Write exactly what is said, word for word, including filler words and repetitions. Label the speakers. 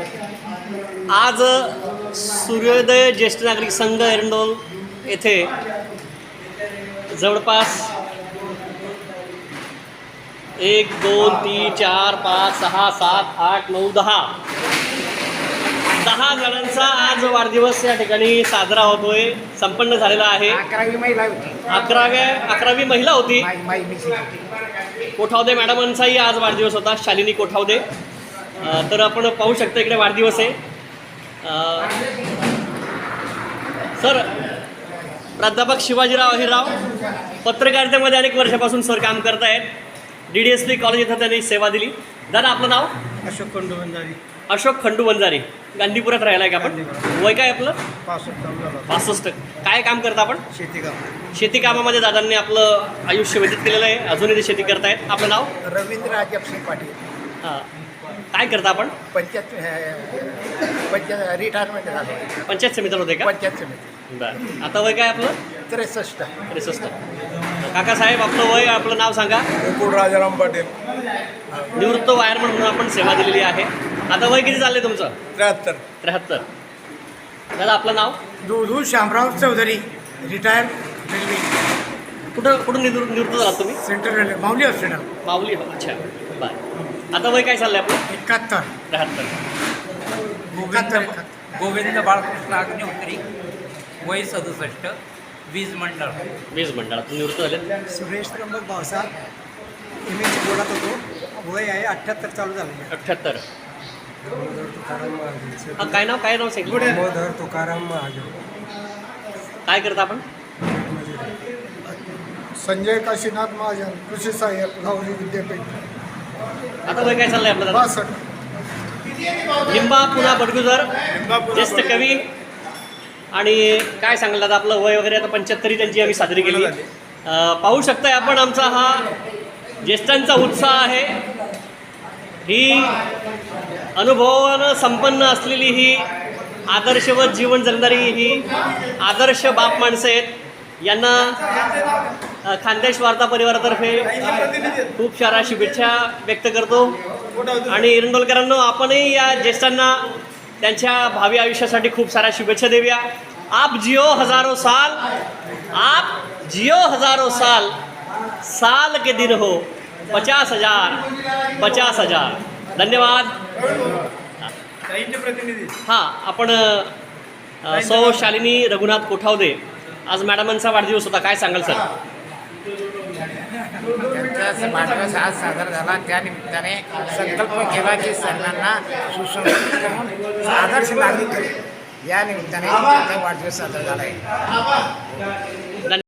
Speaker 1: आज सूर्योदय ज्येष्ठ नागरिक संघ एरंडोल येथे जवळपास एक दोन तीन चार पाच सहा सात आठ नऊ दहा दहा जणांचा आज वाढदिवस या ठिकाणी साजरा होतोय, संपन्न झालेला आहे.
Speaker 2: अकरावी महिला होती.
Speaker 1: अकराव्या अकरावी महिला होती.
Speaker 2: माई- माई मिसिंग होती.
Speaker 1: कोठावदे मॅडमांचाही आज वाढदिवस होता, शालिनी कोठावदे. अ, तर आपण पाहू शकता इकडे वाढदिवस आहे. अ, सर, प्राध्यापक शिवाजीराव अहिरराव पत्रकारितेमध्ये अनेक वर्षापासून सर काम करत आहेत. D D S P college इथं त्यांनी सेवा दिली. दादा, आपलं नाव?
Speaker 3: अशोक खंडू बंजारी.
Speaker 1: अशोक खंडू बंजारी. गांधीपुरात राहिला आहे का आपण? वय काय आपलं?
Speaker 3: पासष्ट.
Speaker 1: पासष्ट. काय काम करता आपण?
Speaker 3: शेती काम.
Speaker 1: शेती कामामध्ये दादांनी आपलं आयुष्य व्यतीत केलेलं आहे. अजूनही ते शेती करतायत. आपलं नाव?
Speaker 2: रवींद्र अजब सिंग पाटील.
Speaker 1: हां. काय करता आपण?
Speaker 2: पंचायत पंचायत रिटायरमेंट झालं.
Speaker 1: पंचायत समितीला होते का?
Speaker 2: पंचायत समिती.
Speaker 1: बरं. आता वय काय आपलं?
Speaker 2: त्रेसष्ट.
Speaker 1: त्रेसष्ट. काकासाहेब, आपलं वय, आपलं नाव सांगा.
Speaker 3: मुकुल राजाराम पाटील.
Speaker 1: निवृत्त वायरमन म्हणून आपण सेवा दिलेली आहे. आता वय किती झालं तुमचं?
Speaker 3: त्र्याहत्तर.
Speaker 1: त्र्याहत्तर. दादा, आपलं नाव?
Speaker 2: दुधू शामराव चौधरी, रिटायर रेल्वे,
Speaker 1: कुठं कुठून निवृत्त निवृत्त झालात तुम्ही?
Speaker 2: Central railway, Mauli hospital.
Speaker 1: Mauli. अच्छा, बरं. आता वय काय चाललं आहे आपलं?
Speaker 2: एकाहत्तर.
Speaker 1: त्र्याहत्तर.
Speaker 2: एकाहत्तर.
Speaker 4: गोविंद बाळकृष्ण अग्निहोत्री, वय सदुसष्ट, वीज मंडळ.
Speaker 1: वीज मंडळातून निवृत्त झाले.
Speaker 5: सुरेश त्र्यंबक भावसाहेब एम एच बोलत होतो. वय आहे अठ्ठ्याहत्तर चालू झालं.
Speaker 1: अठ्ठ्याहत्तर.
Speaker 5: तुकाराम महाजन.
Speaker 1: हा, काय नाव काय नाव सांगितलं?
Speaker 5: दामोदर तुकाराम महाजन.
Speaker 1: काय करता आपण?
Speaker 3: संजय काशीनाथ महाजन, कृषी सहाय्यक, लावली विद्यापीठ.
Speaker 1: आता वय काय चाललंय आपलं दादा?
Speaker 3: बासष्ट.
Speaker 1: लिंबा पुन्हा बडगुजर, ज्येष्ठ कवी. आणि काय सांगलं दादा, आपलं वय वगैरे आता पंच्याहत्तरी त्यांची आम्ही साजरी केली. अं, पाहू शकताय आपण, आमचा हा ज्येष्ठांचा उत्साह आहे. ही अनुभवानं संपन्न असलेली ही आदर्शवत जीवन जगणारी ही आदर्श बाप माणसं आहेत. यांना अ, खानदेश वार्ता परिवारातर्फे खूप साऱ्या शुभेच्छा व्यक्त करतो. आणि एरंडोलकरांनो, आपणही या ज्येष्ठांना त्यांच्या भावी आयुष्यासाठी खूप साऱ्या शुभेच्छा देऊया. आप जियो हजारो साल, आप जियो हजारो साल, साल के दिन हो पचास हजार पचास हजार. धन्यवाद. हां, आपण अ, सौ शालिनी रघुनाथ कोठावदे, आज मॅडमांचा वाढदिवस होता. काय सांगाल सर?
Speaker 2: त्यांचा वाढदिवस आज साजरा झाला. त्यानिमित्ताने संकल्प केला की सर्वांना सुसंस्कृत करून आदर्श नागरिक करू. या निमित्ताने त्यांचा वाढदिवस साजरा झाला आहे.